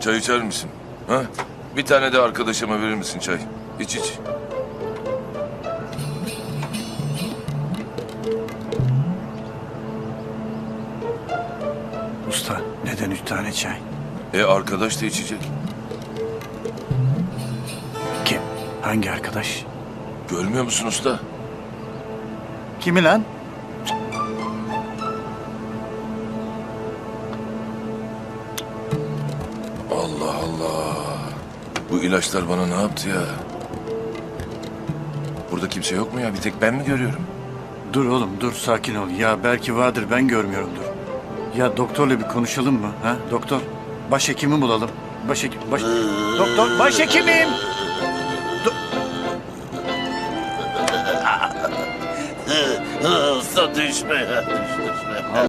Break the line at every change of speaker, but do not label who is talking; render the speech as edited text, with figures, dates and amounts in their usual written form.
Çay içer misin? Ha? Bir tane de arkadaşıma verir misin çay? İç iç.
Usta neden 3 tane çay?
Arkadaş da içecek.
Kim? Hangi arkadaş?
Görmüyor musun usta?
Kimi lan?
Allah Allah. Bu ilaçlar bana ne yaptı ya? Burada kimse yok mu ya? Bir tek ben mi görüyorum?
Dur oğlum dur sakin ol. Ya belki vardır ben görmüyorumdur. Ya doktorla bir konuşalım mı? Ha doktor? Başhekimi bulalım. Doktor başhekimim.
Usta düşme ya, düşme.